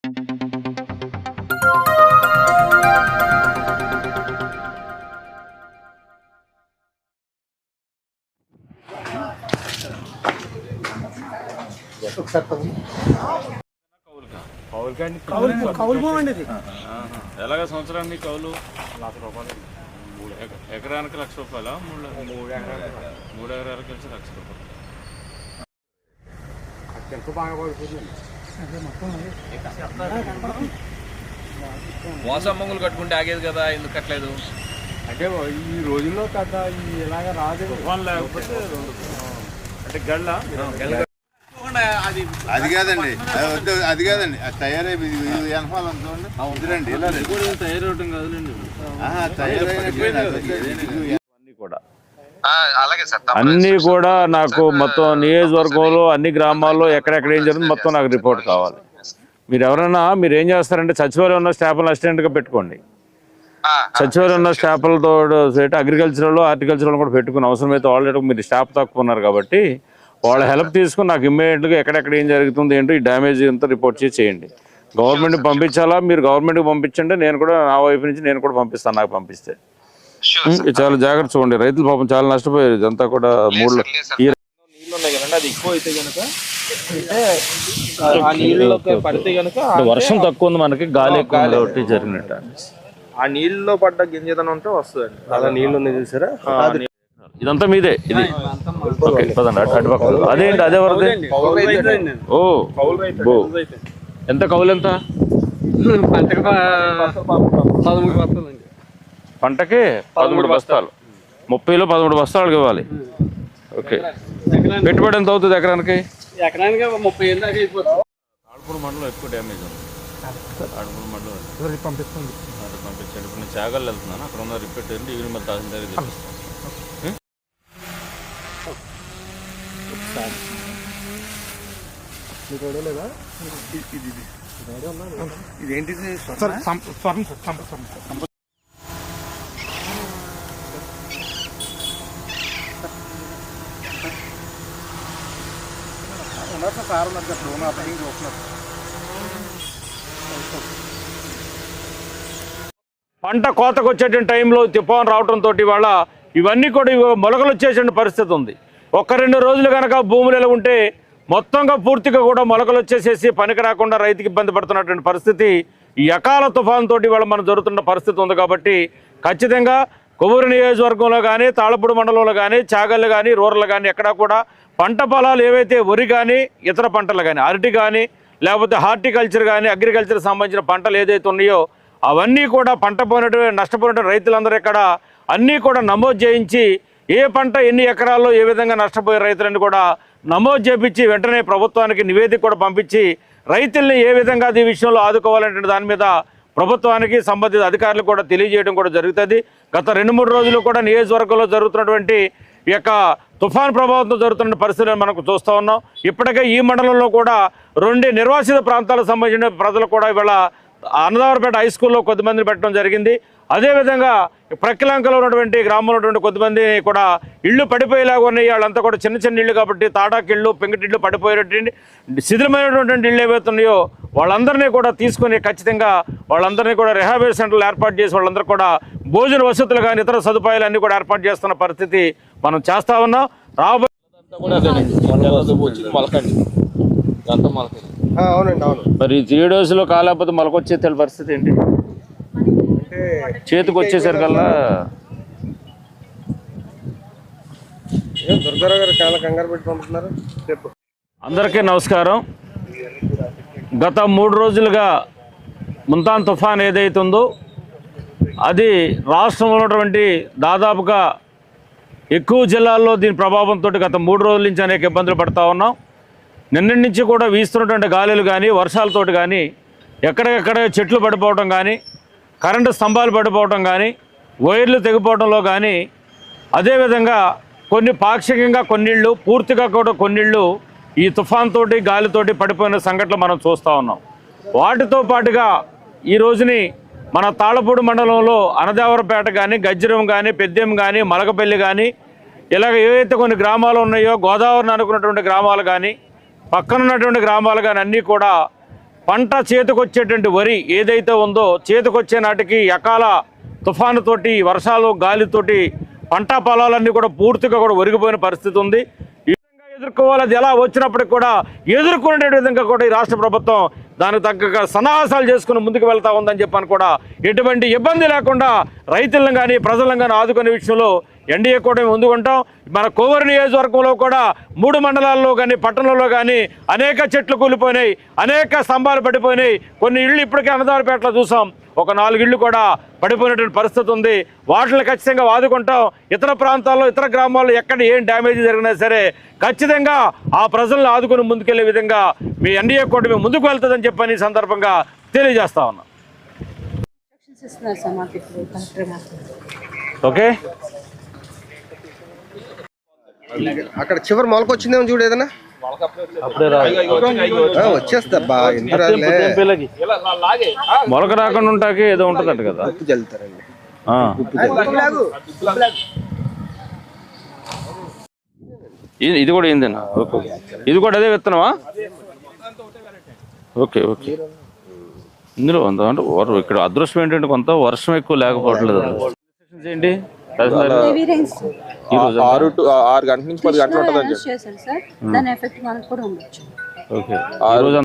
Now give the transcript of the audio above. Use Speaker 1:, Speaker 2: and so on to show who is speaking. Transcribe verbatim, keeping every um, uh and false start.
Speaker 1: ఎలాగ సంవత్సరానికి కౌలు లక్ష రూపాయలు, ఎకరానికి లక్ష రూపాయల మూడు మూడు ఎకరాలు మూడు ఎకరాలకు కలిసి లక్ష రూపాయలు.
Speaker 2: మోసం మంగులు కట్టుకుంటే ఆగేది కదా, ఎందుకు కట్టలేదు?
Speaker 1: అంటే ఈ రోజుల్లో కదా ఇలాగ రాదు, లేకపోతే అంటే గళ్ళ
Speaker 3: అది కాదండి, అది కాదండి, అది తయారై తయారవటం కాదులేండి.
Speaker 1: అన్నీ కూడా నాకు మొత్తం నియోజకవర్గంలో అన్ని గ్రామాల్లో ఎక్కడెక్కడ ఏం జరుగుతుంది మొత్తం నాకు రిపోర్ట్ కావాలి. మీరు ఎవరైనా మీరు ఏం చేస్తారంటే సచివాలయం ఉన్న స్టాఫ్లు అసిస్టెంట్గా పెట్టుకోండి. సచివాలయం ఉన్న స్టాఫ్లతో అగ్రికల్చరల్ హార్టికల్చరల్ కూడా పెట్టుకుని అవసరమైతే ఆల్రెడీ మీరు స్టాఫ్ తక్కువ ఉన్నారు కాబట్టి వాళ్ళ హెల్ప్ తీసుకుని నాకు ఇమ్మీడియట్గా ఎక్కడెక్కడ ఏం జరుగుతుంది ఏంటో ఈ డ్యామేజ్ అంతా రిపోర్ట్ చేసి చేయండి. గవర్నమెంట్కి పంపించాలా, మీరు గవర్నమెంట్కి పంపించండి, నేను కూడా నా వైపు నుంచి నేను కూడా పంపిస్తాను. నాకు పంపిస్తే చాలా జాగ్రత్త చూడండి. రైతులు పాపం చాలా నష్టపోయారు. ఇదంతా కూడా మూడు
Speaker 2: నీళ్ళు ఉన్నాయి కదండి, అది ఎక్కువ అయితే కనుక ఆ నీళ్ళలోకి పడితే కనుక
Speaker 1: వర్షం తక్కువ ఉంది, మనకి గాలి ఎక్కువ జరిగినట్టు
Speaker 2: ఆ నీళ్ళలో పడ్డ గింజదనం ఉంటే వస్తుందండి.
Speaker 3: అలా నీళ్ళు ఉన్నాయి చూసారా,
Speaker 1: ఇదంతా మీదే. ఇది ఓకే పదండి అటుపక్క. అదేంటి అదే వరద? ఓ బో ఎంత కౌలు ఎంత? పంటకి పదమూడు బస్తాలు, ముప్పైలో పదమూడు బస్తాలకు ఇవ్వాలి. ఓకే, పెట్టుబడి ఎంత అవుతుంది ఎకరానికి?
Speaker 4: ఎకరానికి ముప్పై ఏళ్ళు దాకా అయిపోతుంది.
Speaker 1: తాళపూడి మండలం ఎక్కువ డ్యామేజ్ ఉంది. తాళపూడి మండలం పంపిస్తుంది పంపించండి. ఇప్పుడు నేను చాగల్ వెళ్తున్నాను, అక్కడ ఉన్న రిపీట్ ఏంటి ఈవినింగ్ మళ్ళీ తహసీల్దార్ తెప్పిస్తాను.
Speaker 3: ఇదేంటిది?
Speaker 1: పంట కోతకు వచ్చేటువంటి టైంలో తుఫాను రావడంతో వాళ్ళ ఇవన్నీ కూడా మొలకలు వచ్చేటువంటి పరిస్థితి ఉంది. ఒక్క రెండు రోజులు కనుక భూములు ఎలా ఉంటే మొత్తంగా పూర్తిగా కూడా మొలకలు వచ్చేసేసి పనికి రాకుండా రైతుకి ఇబ్బంది పడుతున్నటువంటి పరిస్థితి ఈ అకాల తుఫాను తోటి వాళ్ళ మనం జరుగుతున్న పరిస్థితి ఉంది. కాబట్టి ఖచ్చితంగా కొవ్వూరు నియోజకవర్గంలో కానీ తాళపూడి మండలంలో కానీ చాగళ్ళు కానీ రూరల్ కానీ ఎక్కడా కూడా పంట పొలాలు ఏవైతే వరి కానీ ఇతర పంటలు కానీ అరటి కానీ లేకపోతే హార్టికల్చర్ కానీ అగ్రికల్చర్ సంబంధించిన పంటలు ఏదైతే ఉన్నాయో అవన్నీ కూడా పంట పోయినటువంటి నష్టపోయినటువంటి రైతులందరూ ఇక్కడ అన్నీ కూడా నమోదు చేయించి ఏ పంట ఎన్ని ఎకరాల్లో ఏ విధంగా నష్టపోయే రైతులని కూడా నమోదు చేపించి వెంటనే ప్రభుత్వానికి నివేదిక కూడా పంపించి రైతుల్ని ఏ విధంగా ఈ విషయంలో ఆదుకోవాలంటే దాని మీద ప్రభుత్వానికి సంబంధిత అధికారులు కూడా తెలియజేయడం కూడా జరుగుతుంది. గత రెండు మూడు రోజులు కూడా నియోజకవర్గంలో జరుగుతున్నటువంటి ఈ యొక్క తుఫాన్ ప్రభావంతో జరుగుతున్న పరిస్థితులను మనకు చూస్తూ ఉన్నాం. ఇప్పటికే ఈ మండలంలో కూడా రెండు నిర్వాసిత ప్రాంతాలకు సంబంధించిన ప్రజలు కూడా ఇవాళ అన్నదావరపేట హై స్కూల్లో కొద్దిమందిని పెట్టడం జరిగింది. అదేవిధంగా ప్రక్కిలంకలో ఉన్నటువంటి గ్రామంలో ఉన్నటువంటి కొద్దిమంది కూడా ఇళ్ళు పడిపోయేలాగా ఉన్నాయి. వాళ్ళంతా కూడా చిన్న చిన్న ఇళ్ళు కాబట్టి తాటాకిళ్ళు పెంకుటిళ్ళు పడిపోయేటువంటి శిథిలమైనటువంటి ఇళ్ళు ఏవైతున్నాయో వాళ్ళందరినీ కూడా తీసుకొని ఖచ్చితంగా వాళ్ళందరినీ కూడా రిహాబిలిటేషన్ సెంటర్లు ఏర్పాటు చేసి వాళ్ళందరూ కూడా భోజన వసతులు కానీ ఇతర సదుపాయాలు అన్నీ కూడా ఏర్పాటు చేస్తున్న పరిస్థితి మనం చేస్తా ఉన్నాం. రాబోయే
Speaker 3: అవునండి అవును.
Speaker 1: మరి త్రీ డేస్లో కాలేకపోతే మొలకొచ్చే తెలి పరిస్థితి ఏంటి? చేతికి వచ్చేసరికల్లా
Speaker 3: దుర్గారావు గారు చాలా కంగారు పెట్టి పంపుతున్నారు. చెప్పు.
Speaker 1: అందరికీ నమస్కారం. గత మూడు రోజులుగా ముంతాన్ తుఫాన్ ఏదైతుందో అది రాష్ట్రంలో ఉన్నటువంటి దాదాపుగా ఎక్కువ జిల్లాల్లో దీని ప్రభావంతో గత మూడు రోజుల నుంచి అనేక ఇబ్బందులు పడుతూ ఉన్నాం. నిన్నటి నుంచి కూడా వీస్తున్నటువంటి గాలులు కానీ వర్షాలతోటి కానీ ఎక్కడెక్కడ చెట్లు పడిపోవడం కానీ కరెంటు స్తంభాలు పడిపోవడం కానీ వైర్లు తెగిపోవడంలో కానీ అదేవిధంగా కొన్ని పాక్షికంగా కొన్నిళ్ళు పూర్తిగా కూడా కొన్నిళ్ళు ఈ తుఫాన్ తోటి గాలితోటి పడిపోయిన సంఘటనలు మనం చూస్తూ ఉన్నాం. వాటితో పాటుగా ఈ రోజుని మన తాళపూడి మండలంలో అనదేవరపేట కానీ గజ్జరం కానీ పెద్దెం కానీ మలకపల్లి కానీ ఇలాగ ఏవైతే కొన్ని గ్రామాలు ఉన్నాయో గోదావరిని అనుకున్నటువంటి గ్రామాలు కానీ పక్కనున్నటువంటి గ్రామాలు కానీ అన్నీ కూడా పంట చేతికొచ్చేటువంటి వరి ఏదైతే ఉందో చేతికొచ్చే నాటికి అకాల తుఫానుతోటి వర్షాలు గాలితోటి పంట పొలాలన్నీ కూడా పూర్తిగా కూడా ఒరిగిపోయిన పరిస్థితి ఉంది. ఈ విధంగా ఎదుర్కోవాలి, అది ఎలా వచ్చినప్పటికి కూడా ఎదుర్కొనే విధంగా కూడా ఈ రాష్ట్ర ప్రభుత్వం దానికి తగ్గ సన్నాహాసాలు చేసుకుని ముందుకు వెళ్తా ఉందని చెప్పని కూడా ఎటువంటి ఇబ్బంది లేకుండా రైతులను కానీ ప్రజలను కానీ ఆదుకునే విషయంలో ఎన్డీఏ కూడా ముందుకుంటాం. మన కోవూరు నియోజకవర్గంలో కూడా మూడు మండలాల్లో కానీ పట్టణంలో కానీ అనేక చెట్లు కూలిపోయినాయి, అనేక స్తంభాలు పడిపోయినాయి. కొన్ని ఇళ్ళు ఇప్పటికే అన్నదారిపేటలో చూసాం, ఒక నాలుగు ఇళ్ళు కూడా పడిపోయినటువంటి పరిస్థితి ఉంది. వాటిని ఖచ్చితంగా ఆదుకుంటాం. ఇతర ప్రాంతాల్లో ఇతర గ్రామాల్లో ఎక్కడ ఏం డ్యామేజ్ జరిగినా సరే ఖచ్చితంగా ఆ ప్రజలను ఆదుకుని ముందుకెళ్లే విధంగా మీ ఎన్డీఏ కూటమి ముందుకు వెళ్తుందని చెప్పని ఈ సందర్భంగా తెలియజేస్తా ఉన్నాం. ఓకే,
Speaker 3: అక్కడ చివరి మొలక వచ్చిందేమో చూడు ఏదైనా ఆ, వచ్చేస్తబ్బా ఎందుకు
Speaker 1: మొలక రాకుండా ఉంటాకి ఏదో ఉంటుందంట కదా,
Speaker 3: ఉప్పు చల్లుతారండి.
Speaker 1: ఆ. ఇది ఇది కూడా ఏందేనా? ఓకే, ఇది కూడా అదే విత్తనమా? ఓకే ఓకే, ఇందులో ఉందా అంటే వర- ఇక్కడ అదృష్టం ఏంటంటే కొంత వర్షం ఎక్కువ లేకపోవట్లేదు. ఏంటి
Speaker 5: ఆరు టు ఆరు గంటల నుంచి పది గంటలు ఉంటుందని చెప్పి
Speaker 1: ఓకే,